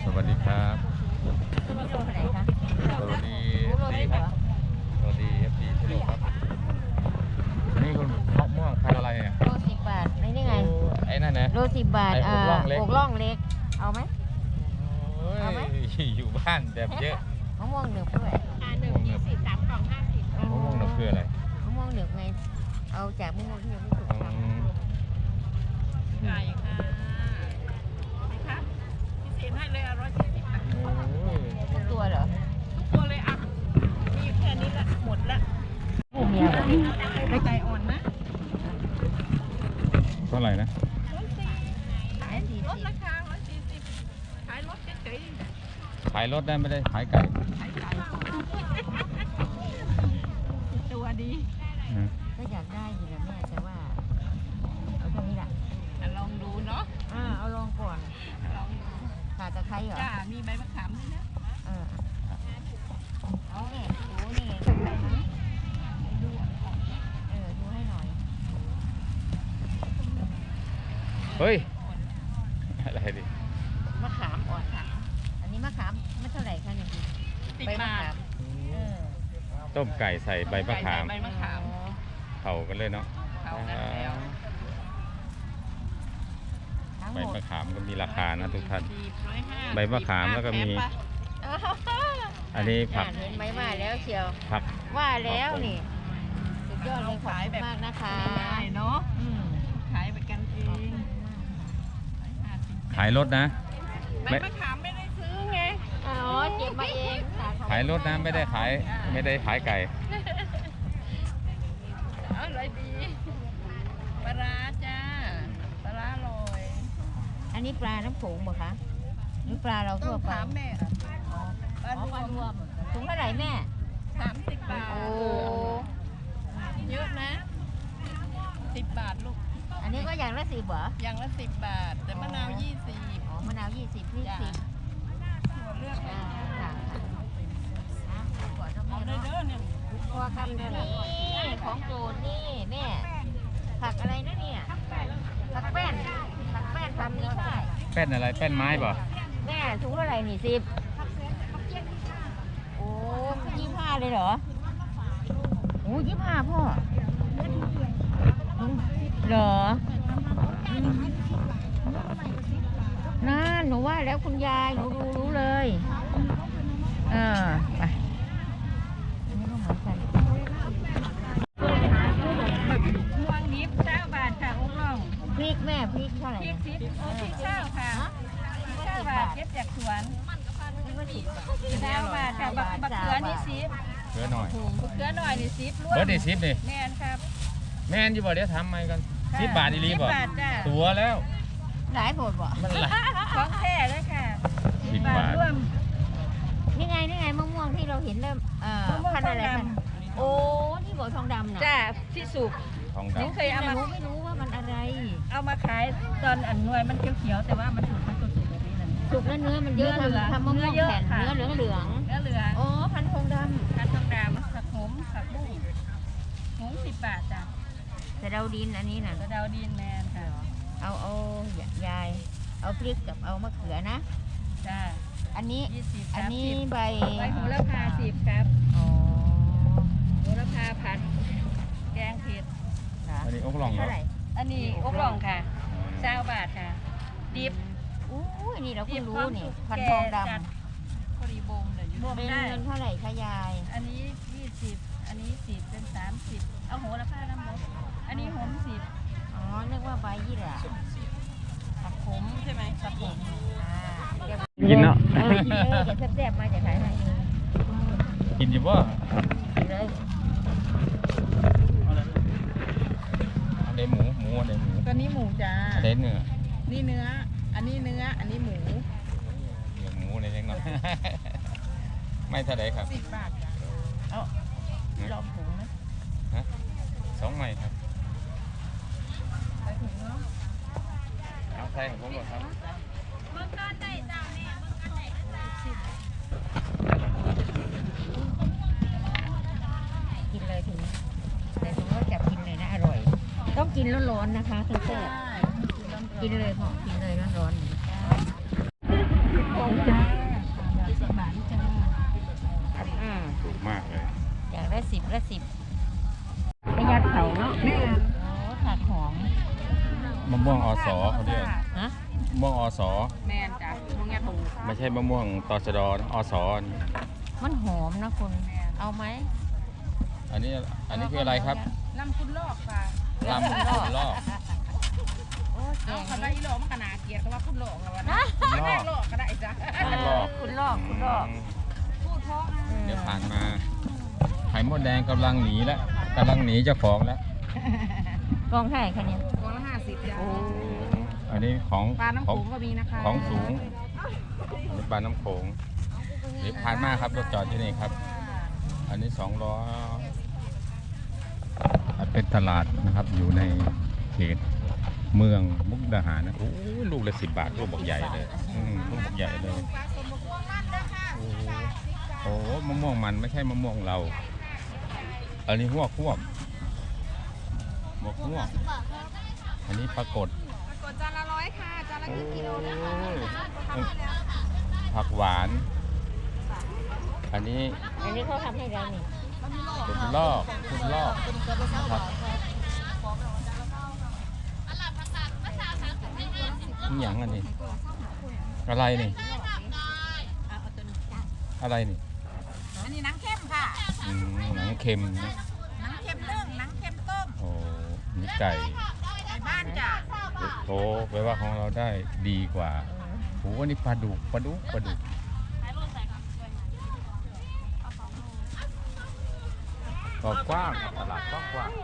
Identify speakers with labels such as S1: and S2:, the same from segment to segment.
S1: สวัสดีครับสวัสดีดีครับสวัสดีFDที่นี่ครับนี่คุณมะม่วงพันอะไรเนี่ย
S2: โล10 บาทนี่ไง
S1: ไอ้นั่นนะ
S2: โล10 บาทอกล่องเล็กเอาไหม
S1: อยู่บ้านแบบเยอะ
S2: มะม่วงหนึบด้วย
S3: หนึบ20 3 กล่อง 50
S1: มะม่วงหนึบคืออะไร
S2: มะม่วงหนึบไงเอาจากมะม่วงที่ยังไม่สุกทำ
S3: ไก่ค่ะครับพิเศษให้เลย140 บาท
S2: ทุกตัวเหรอ
S3: ทุกตัวเลยอ่ะมีแค่นี้ละหมดละ
S2: ผู้เมียแบบ
S3: ไปใจอ่อนนะ
S1: เท่าไหร่นะ
S3: ขายลดราคา140ขายลดเฉย
S1: ๆขายรถได้ไม่ได้ขายไก่
S3: ตัวดี
S2: ก็อยากได้อยู่นะแม่แต่ว่าเอาตรงนี้แหละ
S3: ลองดูเนาะ
S2: เอาลองก่อน
S3: ลองดู
S2: ขาตะไคร้เหรอ
S3: จ้ามีใบมะขามด้วยนะ
S2: เอาเนี่ยดูนี่ดูให้หน่อย
S1: เฮ้ยอะไรดิ
S2: มะขามอ่อนค่ะอันนี้มะขามไม่เท่าไหร่ค่ะเนี่ย
S3: ใบมะขาม
S1: ต้มไก่ใส่ใบมะขาม
S3: ใบมะขาม
S1: เผากันเลยเนาะ
S3: เผากันแล้ว
S1: ใบมะขามก็มีราคานะทุกท่านใบมะขามแล้วก็มีอันนี้ผัก
S2: เห็นไหมว่าแล้วเชียว
S1: ผัก
S2: ว่าแล้วนี่สุดยอดเลยขายแบบมากนะคะ
S3: เนาะขายไปกันเอง
S1: ขายรถนะ
S3: ใบมะขามไม่ได้ซื้อไง
S2: เก็บมาเอง
S1: ขายรถนะไม่ได้ขายไก่
S3: อะไรดีปลาจ้าปลาลอย
S2: อันนี้ปลาน้ำโขงเหรอคะหรือปลาเราทั่วไป
S3: ถามแม่
S2: ปลารวมถุงเท่าไหร่แม่
S3: 30 บาท
S2: โอ้
S3: เยอะนะ10 บาทลูก
S2: อันนี้ก็อย่างละ10เหรอ
S3: อย่างละ10 บาทแต่มะนาว20
S2: มะนาว20นี่10
S3: หัวเลือก
S2: ค่ะ
S3: เอาเด้อเนี่ย
S2: ตัวคำนี่ของโจรนี่แม่ผักอะไรนะเนี่ยผักแป้นทำนี้ได้
S1: แป้นอะไรแป้นไม้ป่ะ
S2: แม่ถุงเท่าไหร่นี่10โอ้25เลยเหรอโอ้25พ่อเหรอน่าหนูว่าแล้วคุณยายหนูรู้เลยไปอันนี้ก็เหมือนกัน
S3: ม่วงนิบ9 บาทค่ะอุ้งล่อง
S2: พริกแม่พริกเท่าไหร่
S3: พริกเช่าค่ะ9 บาทเก็บจากสวน9 บาทค่ะบักเขือนี่10
S1: เขือหน่อย
S3: บักเขือหน่อยนี่10รวม
S1: เบิร์ดนี่10นี่
S3: แม่นครับ
S1: แม่นอยู่บ่เดี๋ยวทำไหมกัน10 บาทอีหลีบ่ตัวแล้ว
S2: หลายโผดบ่
S3: ของแท้เลยค่ะ
S1: 10 บาท
S3: รวม
S2: นี่ไงมะม่วงที่เราเห็นเริ่มพันอะไรกันโอ้ที่บอกทองดำน่ะ
S3: จ้าที่สุก
S1: ทองดำ
S3: เคยเอามา
S2: ไม่รู้ว่ามันอะไร
S3: เอามาขายตอนหน่วยมันเขียวๆแต่ว่ามันสุกแบบนี้นั่น
S2: สุกแล้วเนื้อมันเยอะทำมะม่วงแผ่นเนื้อเหลืองอ๋อพันทองดำ
S3: ผักหอมผักบุ้ง10 บาทจ้ะ
S2: สะเดาดินอันนี้น่ะ
S3: สะเดาดินแมนค่ะ
S2: เอายายเอาพริกกับเอามะเขือนะ
S3: จ้า
S2: อันนี้ใบ
S3: โหระพา10ครับโหระพาผัดแกงเผ็ด
S1: อันนี้อกล่องเท่าไหร่
S3: อันนี้อกล่องค่ะ20 บาทค่ะดิบ
S2: นี่เราเพิ่งรู้นี่พันทองด
S3: ำพอดีบงเลยรวม
S2: ได้เงินเท่าไหร่คะยาย
S3: อันนี้20อันนี้10เป็น30เอาโหระพาน้ำมันอันนี้หอม10
S2: อ๋อนึกว่าใบยี่หร่าผักขม
S3: ใช่ไหมผักขม
S1: กินเนาะ
S2: จะแซ่บๆมาจากไหน
S1: กินอยู่ป่ะ
S2: เลย
S1: อันนี้หมูอันนี้หมู
S3: ตอนนี้หมูจ้า
S1: อันนี้เนื้อ
S3: นี่เนื้ออันนี้เนื้ออันนี้หมู
S1: หมูอะไรเล็กน้อยไม่เท่าไหร่ครับ
S3: 10 บาทจ้าเอาลองถุงนะ
S1: 2 ไม้ครับ
S3: ใส่ถุงเนาะ
S1: เอาใส่ของผมก่อนครับ
S3: เมื่อก้อนได้จ้าเนี่ยเมื่อก้อนได้
S2: กินเลยถึงแต่ผมก็จับกินเลยนะอร่อยต้องกินร้อนๆนะคะทั้งแซ่บกินเลยพอกินเลยร้อนๆ
S1: ม่วงอสเขาเรียก
S2: ฮะ
S1: มะม่วงอส
S3: แมนจ้ะมงแงถูก
S1: ไม่ใช่มะม่วงตชดนะอส
S2: มันหอมนะคุณเอาไหม
S1: อันนี้คืออะไรครับ
S3: ลำคุณลอกค่ะ
S1: ลำคุณลอก
S2: โอ้แก
S3: เอา
S2: ง
S3: เขาได้
S2: นี่
S3: อีโลมันขนาดเกียรติว่าคุณลอกแล้ววะ
S2: นะ
S3: นะแม่ลอกก็ได้จ้ะ
S1: คุณลอก
S2: คุณลอกคุณลอก
S3: พูดเพราะ
S1: เดี๋ยวผ่านมาไข่มดแดงกำลังหนีแล้วกำลังหนีเจ้าของแล้ว
S2: กองไข่คะเนี่ย
S3: กองละ50จ้ะ
S1: อันนี้ของ
S3: ปลาน้ำ
S1: ข
S3: โข
S1: อง
S3: งก็มีนะคะ
S1: ของสูงอันนี้ปลาน้ำโขงเดี๋ยวผ่านมาครับรถจอดที่นี่ครับ อันนี้200เป็นตลาดนะครับอยู่ในเขตเมืองมุกดาหารนะโอ้ยลูกละ10 บาทลูกบอกใหญ่เลยลูกบอกใหญ่เลยโอ้โหมะม่วงมันไม่ใช่มะม่วงเรา อันนี้หวกหวกอันนี้ปรากฏ
S3: กดจานละ100ค่ะจานละกี่กิโลนะคะ
S1: ผักหวาน อันนี้
S2: อันนี้เขาทำให้เรานี่
S1: คุณลอกผักนี่อย่างอันนี้อะไรนี่อะไรนี่
S3: อันนี้หนังเข้มค่ะ
S1: หนังเค็มนะ
S3: หนังเข้มนึ่งหนังเข้มต้ม
S1: โอ้นี่ไก่
S3: ไก่บ้านจ้ะ
S1: โอ้แปลว่าของเราได้ดีกว่าโอ้นี่ปลาดุกก็กว้างครับตลาดกว้าง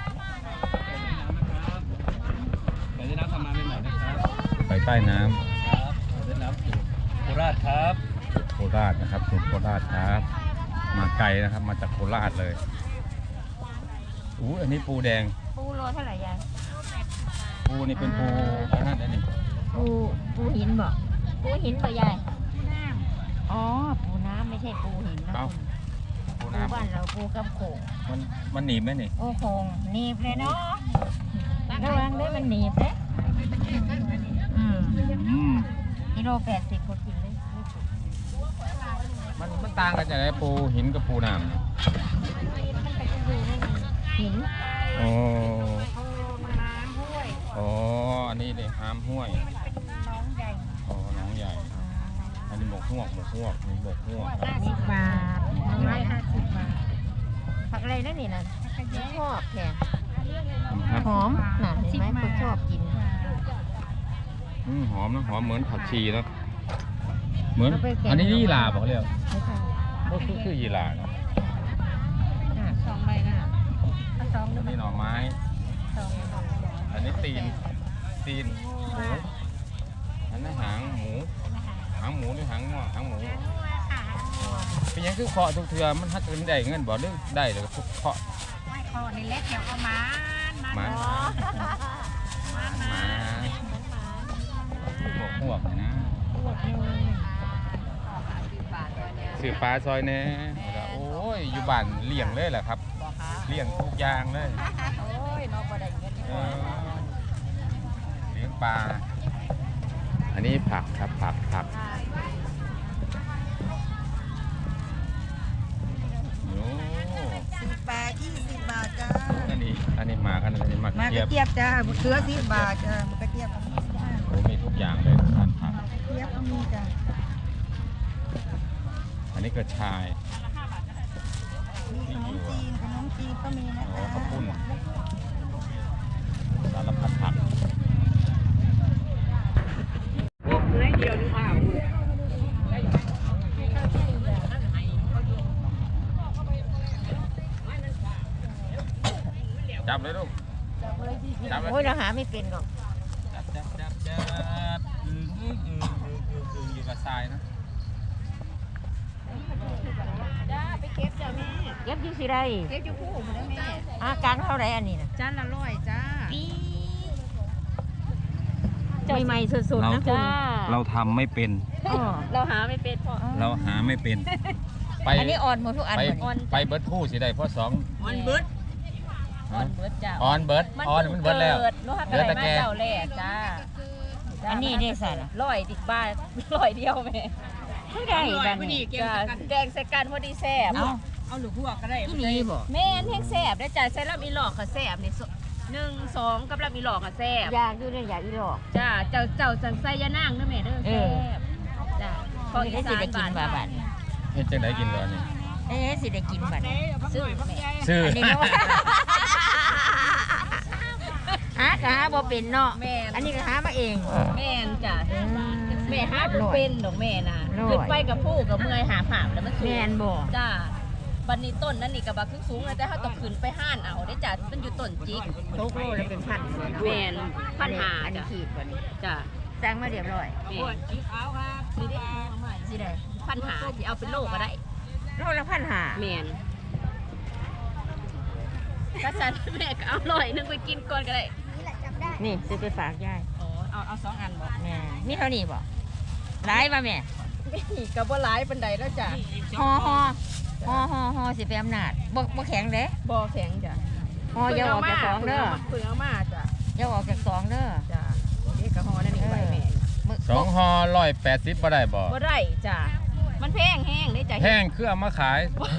S4: ไปได้น้ำทำมาใหม่ๆนะครับ
S1: ไปใต้น้
S4: ครับได้น้ำสูตรโคราชครับ
S1: ำโคราชนะครับสูตรโคราชครับ มาไกลนะครับมาจากโคราชเลยอันนี้ปูแดง
S2: ปูโลเท่าไหร่ยาย
S1: ปูนี่เป็นปูอันนั้นนี่
S2: ปูหินบ่ปูหินบ่ยายอ๋อปูน้ำไม่ใช่ปูหินนะ
S1: เอ้า
S2: คุณ
S1: ปู
S2: ปู
S1: น้
S2: บ้านเราปูกำโขง
S1: ำมันหนีบไหมนี่
S2: โอ้โหหนีบเลยเนาะระวังด้วยมันหนีบเลยกิโล80คนกินเลยไม่ถูก
S1: มันต่างกันอย่างไรปูหินกับปูน้ำ
S2: หิน
S1: โอ้
S3: น้ำห้วย
S1: โอ้อันนี้เลยหามห้วย
S3: น้องใหญ่
S1: อ๋อน้องใหญ่ อันนี้หมกฮวกนี่หมกฮวก
S2: 10 บาท
S3: 150 บาท
S2: ผักอะไรนั่นนี่นะชอบแค่
S1: ครับ
S2: หอมน่ะเห็นไหมคนชอบกิน
S1: หอมนะหอมเหมือนผักชีนะเหมือนอันนี้ยี่หร่าบอกเรียก
S2: ไม่ใช่
S1: ก็คือยี่หร่านะ
S3: 2 ใบนะเอา2
S1: อันนี้หน่อไม้ อันนี้ตีนหมูอันนั้นหางหมูหรือหางง้อหางหมูเป็นหยังคือเคาะทุกเทือมันฮักกันได้เงินบ่หรือได้เลยทุกเคาะ
S3: ไม่คอในเล็กเดี๋ยวเอามา
S1: หมาหวกนะ สื่อปลาซอยแน่โอ้ยอยู่บ้านเลี้ยงเลยแหละครับเลี้ยงทุกอย่างเลย
S3: โอ้ยน้องบ่ได้เงิน
S1: เออเลี้ยงปลาอันนี้ผักครับผักโอ้
S3: 10 บาท 20 บาทจ้า
S1: อันนี้หมากอันนี้หมาก
S3: มาก
S1: เทีย
S3: ระ
S1: บ
S3: เทียบจ้าเสือ10 บาทจ้ากระเทียบ
S1: โอ้มีทุกอย่างเลยทานผัก
S3: เทียบก็มีจ้า
S1: อันนี้กระชาย
S3: มีขนมจีนก็มีนะ
S1: โอ้
S3: คะ
S1: ข้าวปุ้นสารพัดผัก
S3: พวกเนื้อเดียวหรือเปล่า
S1: จับเลยลูกจับเลย
S2: โอ้ยเราหาไม่เป็นหรอก
S1: จับอยู่กับทรายนะ
S3: จ้าไปเก็บจ้าแม่
S2: เก็บอยู่สิไร
S3: เก็บอยู่คู่หมดแล้วแม่
S2: อาการเท่าไรอันนี้นะ
S3: จานละ100จ้า
S2: ใหม่ๆสดๆนะคุณ
S1: เราทำไม่เป็น
S2: อ๋อ
S3: เราหาไม่เป็นพ่อ
S1: เราหาไม่เป็น ไป
S2: อันนี้อ่อนหมดทุกอัน
S1: ไป
S2: หมด
S1: ไปเบิร์ดคู่สิได้เพราะสอง
S3: มันเบิด
S1: ฮะ
S3: เบิดจ้า
S1: ออนเบิร์ดออนมันเบิร์ดแล้ว
S3: ลูกฮัก
S1: เดือดตะแก
S3: เจ้าแรกจ้า
S2: อันนี้ได้ใส่ละ
S3: 100 10 บาท100เดียวแม่
S2: เท่าไรบ้านนี้
S3: จ้าแกงใส่กันพอดีแซ่บ
S2: เอา
S3: เอาหลูกหัวก็ได้
S2: ที่นี่บ่
S3: แม่นแห้งแซ่บได้จ้าใส่ลำอีหลอกก็แซ่บนี่ 1 2กับลำอีหลอกอ่ะแซ่บ
S2: อยากอยู่เนี่ยอยากอีหลอก
S3: จ้าเจ้าจังไส้ยะนางเด้อแม่เด้อ
S2: เอ
S3: แซ่
S2: อ
S3: บจ้า
S2: พอได้สิได้กินบาบัด
S1: เฮ็ดจังไดกินตอนนี้
S2: สิได้กินบัด
S3: ซื้อแม่
S1: ซื้อ
S2: อันนี้เนาะหากะหาบ่เป็นเนาะ
S3: แม่น
S2: อันนี้ก็หามาเอง
S3: แม่นจ้ะ
S2: อืม
S3: แม่หาบ่เป็นดอกแม่น่ะ
S2: น้อย
S3: ขึ้นไปกับผู้กับเมื่อยหาผามแล้วมันสูง
S2: แม่นบ่
S3: จ้าบัดนี้ต้นนั่นนี่ก็บักสูงๆแต่เฮาต้องขึ้นไปห้านเอาได้จ้ะมันอยู่ต้นจิก
S2: ทุกโลแล้วเป็นพันเลยเนาะ
S3: แม่นพันหา
S2: อันนี้
S3: จ้ะ
S2: ขีดบ่นี่
S3: จ้ะ
S2: สั่งมาเรียบร้อย
S3: แม่สีขาวครับสีแดงสิได้พันหาสิเอาเป็นโลก็ได้
S2: โลละพันหา
S3: แม่นก็ฉันแม่ก็เอาร้อยหนึงไปกินก่อนก็ได้
S2: นี่ซื้อไปฝากยาย
S3: อ๋อเอา2อันบ่
S2: แม่มีเท่านี้บ่หลายป่ะแม่
S3: นี่ก็บ่หลายปานใดแล้วจ้ะ
S2: ห่อสิไปอำนาจบ่แข็งเด้
S3: บ่แข็งจ้ะ
S2: ห่ออย่าออกจากสองเด้อ
S3: เพิ่งเอามาจ้ะ
S2: อย่าออกจากสองเด้อ
S3: จ้ะนี่ก็ห่อนั่นนี่ไปแม่
S2: มื้อ
S1: 2ห่อ180บ่ได้บ่
S3: บ่ได้จ้ะมันแพงแห้งได้จ้ะ
S1: แห้งคือเอามาขาย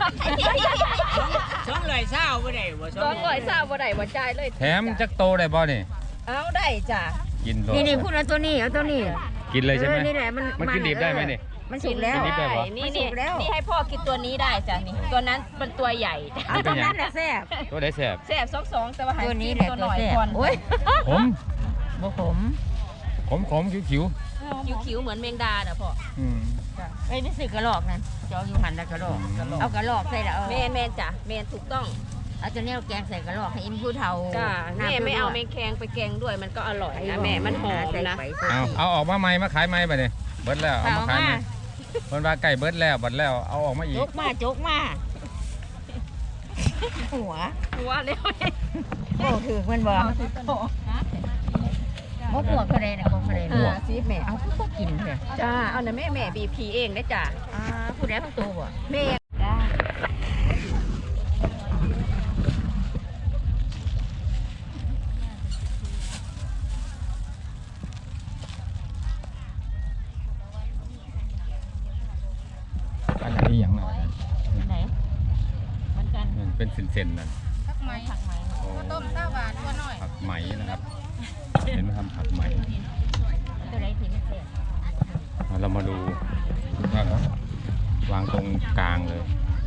S3: 200บ่ได้บ่จ่ายเลย
S1: แถมจักโตได้บ่นี่
S3: เอาได้จ้ะ
S1: กินโล
S2: นี่พูดเอาตัวนี้เอาตัวนี้
S1: กินเลยใช่ไหม
S2: นี่แหละมัน
S1: มันกินดิบได้ไหมนี่
S2: มันสุกแล้ว
S1: กินดิบได้เหรอ
S3: นี่
S2: มันสุกแล้ว
S3: นี่ให้พ่อกินตัวนี้ได้จ้ะนี่ตัวนั้นเป็นตัวใหญ่
S2: เอาตัวนั้นแหละแซ่บ
S1: ตัวได้แซ่บ
S3: แซ่บ2แต่ว่าให้
S2: ตัวนี้
S3: กิน
S2: แหละ
S3: ตัว
S2: ตั
S3: ห
S2: ว
S3: น่อย
S2: แซ่บ
S3: ก่อน
S2: โอ้ย
S1: ขม
S2: บ่ขม
S1: ขมคิ้ว
S3: คิ้วๆเหมือนแมงดาน่ะพ่อ
S1: ๆอืม
S2: ไอ้ยไม่ซื้อกระรอกนั่นจะเอาอยู่หันแล้วกระรอก
S1: กระรอก
S2: เอากระรอกใส่ละเอา
S3: แม่นจ้ะแม่นถูกต้อง
S2: เอาตัวนี้เอาแกงใส่กระรอกให้อิ่มผู้เฒ่า
S3: จ้ะ
S2: หน้
S3: แม่ไม่เอาแม
S2: ผู้
S3: งแคงไปแกงด้วยมันก็อร่อย
S2: ไอ้
S3: นะแม่มันหอม
S2: ใส่
S3: นะ
S2: ไป
S1: เอาออกมาใหม่มาขายใหม่บัดนี้เบิดแล้วเอา
S2: เอา
S1: มาขายใหม่
S2: มา
S1: เพิ่นว่าไก่เบิดแล้วบัดแล้วเอาออกมาอี
S2: จ
S1: ก
S2: กมาจกมาหัว
S3: ว่าแล้ว
S2: โอ้ถือมันบ่มกหัวกระเด็นนะมกกระเด็น
S3: ซีแม่
S2: เอาก็กินเลย
S3: จ้าเอานะแม่บีพีเองได้จ้ะ
S2: ผู้ใดผู้โตบ่
S3: แม่
S2: ได้
S1: อันนี้อย่างไร
S2: ไหนเหมือนกัน
S1: มันเป็นเส้นๆนั่น
S2: ผักไหมผักไหม
S1: โอ้
S3: ต้มต้าหวานตัวหน่อย
S1: ผักไหมนะครับ เห็นไหมครับผักไหม
S2: ตัวไหนที่ไม่เสร็จ
S1: เรามาดูนะครับวางตรงกลางเลย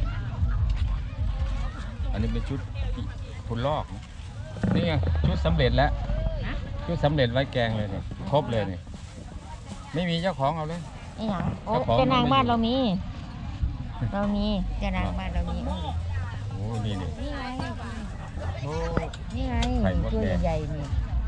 S1: อันนี้เป็นชุดคุณลอกนะนี่ไงชุดสำเร็จแล้วชุดสำเร็จไว้แกงเลยเนี่ยครบเลยเนี่ยไม่มีเจ้าของเอาเลย
S2: นี่หยังโอ้
S1: เจ้าของ
S2: เจ้านางบ้าน
S1: มันไม่อยู่
S2: เรามีเจ้านางบ้านเรามี
S1: โอ้นี่นี่
S2: นี่ไง
S1: โอ้
S2: นี่ไง
S1: ไข่มด
S2: ตัว
S1: แดง
S2: ใหญ่ๆนี่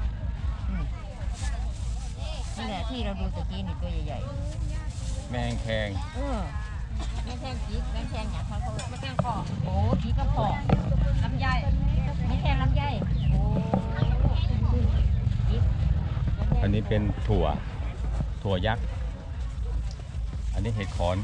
S2: นี่แหละที่เราดูตะกี้นี่ตัวใหญ่
S1: แมงแคง
S2: แม่แทงจีกแม่แทงหยังเขาแม่แทงคอโอ้จีกระพอก
S3: ลำไย
S2: แม่แทงลำไยโอ้จีก
S1: อันนี้เป็นถั่วยักษ์อันนี้เห็ดขอน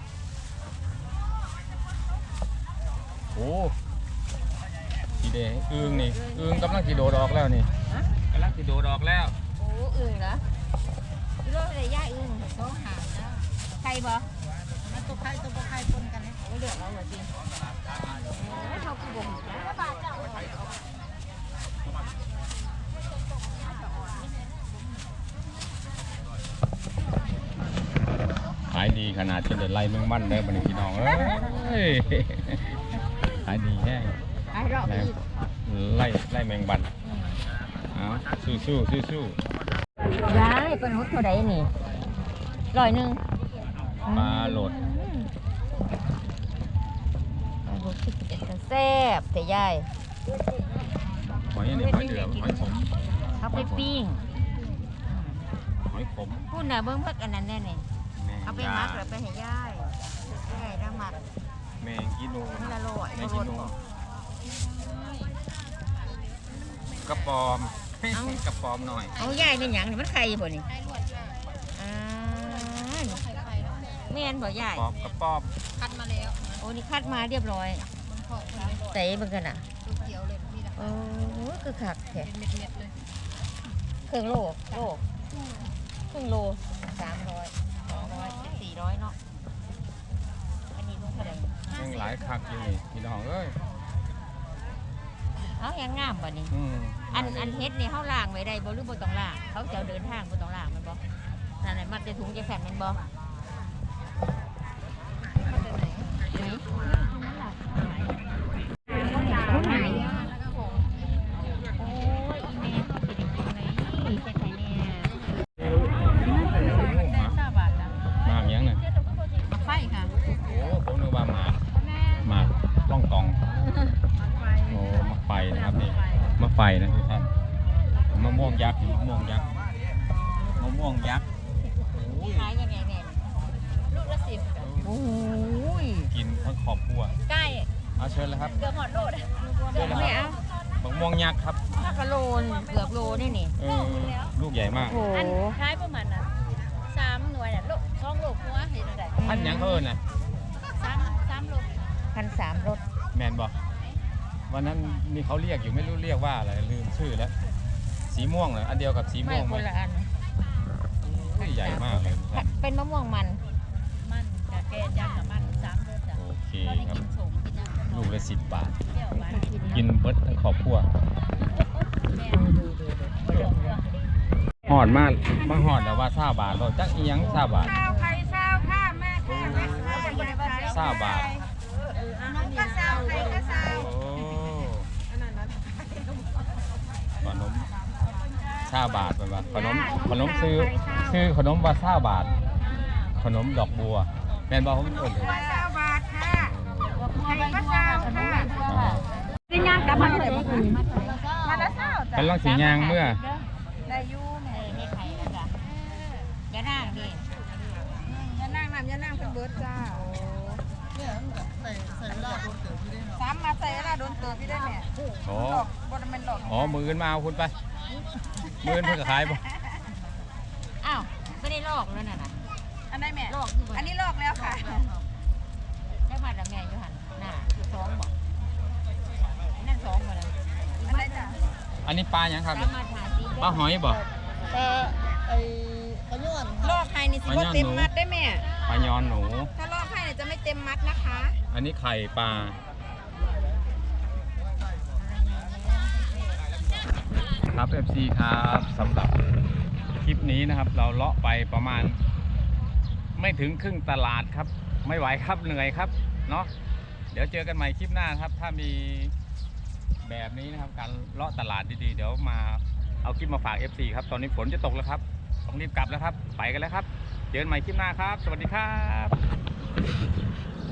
S1: โอ้ทีเดอึงนี่อึงกำลังสีโดดออกแล้วนี่กำลังสีโดดออกแล้ว
S2: โอ้อึ่งเหรออีโร่เลยย่าอึ่งต้องหาแล้วใครบ่
S3: มันตัวไข่ตัวไข่ปนกันนะ
S2: ไม่เลือกเราเหรอจริงเขาคือบ่ง
S1: ขายดีขนาดจนเดือดไล่แมงมันเลยบัดนพี่น้องเอ้ยขายดีแห้ง
S2: ไอ้รอบอีก
S1: ไล่แมงบันเอาสู้ๆ
S2: ยายเป็นหุดเท่าใดนี่100 นึง
S1: ปลาโหลด
S2: ปลาโหลดที่เป็นแซ่บแต่ยาย
S1: หอยอันนี้หอยเดือหอยขม
S2: เอาไปปิ้ง
S1: หอยขม
S2: พูดน่ะเบิ่งพักอันนั้นแน่นี่
S1: แมง
S2: เอาไป
S1: ยา
S2: มักแล้วไปให้ยายยายแล้วมัก
S1: แมงกิโล
S2: มันละโลด
S1: แม
S2: บ่
S1: ง
S2: โล
S1: กิ
S2: ด
S1: โล
S2: บ่
S1: กระปอมกระปอมหน่อย
S2: เอายายเป็นหยังนี่มันไข่บ่นี่อ่าแม่นบ่ยาย
S1: ปอบกระปอม
S3: คัดมาแล้ว
S2: โอ้นี่คัดมาเรียบร้อย
S3: มันพอคนนี้
S2: ใส่เบิ่งกันน่ะ
S3: เขียวเลยนี่แหละ
S2: โอ้คือคักแท้
S3: เม็ดเลย
S2: ครึ่งโลครึ่งโล300 200 400เนาะอันนี้ลุงเท่าไหร่
S1: ยังหลายคักอยู่นี่พี่น้องเอ้ย
S2: เอายังงามบ่นี่
S1: อืม
S2: อันเฮ็ดนี่เขาล่างไว้ได้บ่หรือบ่ต้องล่างเขาจะเดินทางบ่ต้องล่างมันบ่นั่นแหละมันจะถุงจะแผ่นมันบ่
S1: หมากยังเนี่ย
S3: ไฟค่ะ
S1: โอ้ผมนึกว่าหมากล่องกองโอ้มะไฟนะครับนี่มะไฟนะทุกท่านมะม่วงยักษ์มะม่วงยักษ์มะม่วงยักษ์
S2: ขายยังไงเนี่ยลูกละ10โอ้ย
S1: กินทั้งครอบครัว
S2: ใกล้
S1: เอาเชิญเลยครับ
S2: เกือบหมดโลด
S1: เชิญเลยครับมะม่วงยักษ์ครับ
S2: ถ้ากะโลนเกือบโลนี่นี่
S1: ลูกใหญ่มาก
S2: โอ้
S3: อันคล้ายประมาณน่ะ3 หน่วยน่ะลูก2 ลูกหัวเห็นอะไร
S1: พันยังเขาเอิญน่ะ
S3: 3 ลูก
S2: 1,300รถ
S1: แมนบอกวันนั้นมีเขาเรียกอยู่ไม่รู้เรียกว่าอะไรลืมชื่อแล้ว สีม่วงเหรออันเดียวกับสี
S2: ไม่
S1: ม่วงไห
S2: ค
S1: ม
S2: นละอัน
S1: ใหญ่มากเลยครับ
S2: เป็นมะม่วงมัน
S3: มันกะแกจังกับมัน3 รสจ้ะ
S1: โอเค
S3: เขาได้
S1: ครับ
S3: กินสมกินยัง
S1: ลูกละ10 บาท
S3: เปรี้ยวหวานกิน
S1: กินเบิร์ดทั้งครอบครัว
S3: แม่
S1: หอดมากมาหอดแล้วว่าซาบาทเราจักอีหยังซาบาท
S5: ข้าวไข่ซาวค่ะแม่ค่ะแม่ค่ะอย่าขาย
S1: ซาบาท
S5: น้องก็ซาวไข่ก็ซาว
S1: โอ้ขนมซาบาทเป็นว่าขนมซื้อขนมว่าซาบาท ขนมดอกบัวแมนบอกผมเปิดเลย
S5: ซาวบาทค่ะไข่ก็ซาวค่ะ
S1: อ่า
S5: เป็นย่างกลับมาเลยมาแล้วซาว
S1: เป็นลังสียางเมื่อ
S5: ได้ยูแม่
S2: นี่ไข่แล้วจ้ะยานั่งดิ
S5: อย่านั่งน้ำอย่านั่งเป็นเบิร์ดจ้าสามมาใส่ละโดนเติบพี่ได้แม่
S1: โอ้
S5: หลอกบอลมันหลอก
S1: อ๋อมืออื่นมาเอาคุณไปมืออื่นเพื่อขายป่ะ
S2: อ้าวไม่ได้ลอกแล้วน่ะนะ
S5: อันได้แม่
S2: ลอกอยู่บ่
S5: อันนี้หลอกแล้วค่ะ
S2: ได้มาแล้วแม่อยู่หันน่ะคือท้องบอกนั่นท้องมาแล้ว
S5: อันได้จ้ะ
S1: อันนี้ปลาอย่างครับ
S2: สามารถหาซื้อ
S1: ปลาหอยบ่
S2: แต่ไอ้ขย้อน
S5: หลอกไข่นี่สิบ่เต็มมัดได้แม่
S1: ปลายอนหนู
S5: ถ้าหลอกไข่เนี่ยจะไม่เต็มมัดนะคะ
S1: อันนี้ไข่ปลาครับ FC ครับสำหรับคลิปนี้นะครับ เราเลาะไปประมาณไม่ถึงครึ่งตลาดครับ ไม่ไหวครับเหนื่อยครับเนาะเดี๋ยวเจอกันใหม่คลิปหน้าครับ ถ้ามีแบบนี้นะครับการเลาะตลาดดีๆเดี๋ยวมาเอาคลิปมาฝาก FC ครับตอนนี้ฝนจะตกแล้วครับต้องรีบกลับแล้วครับไปกันแล้วครับเจอกันใหม่คลิปหน้าครับ สวัสดีครับ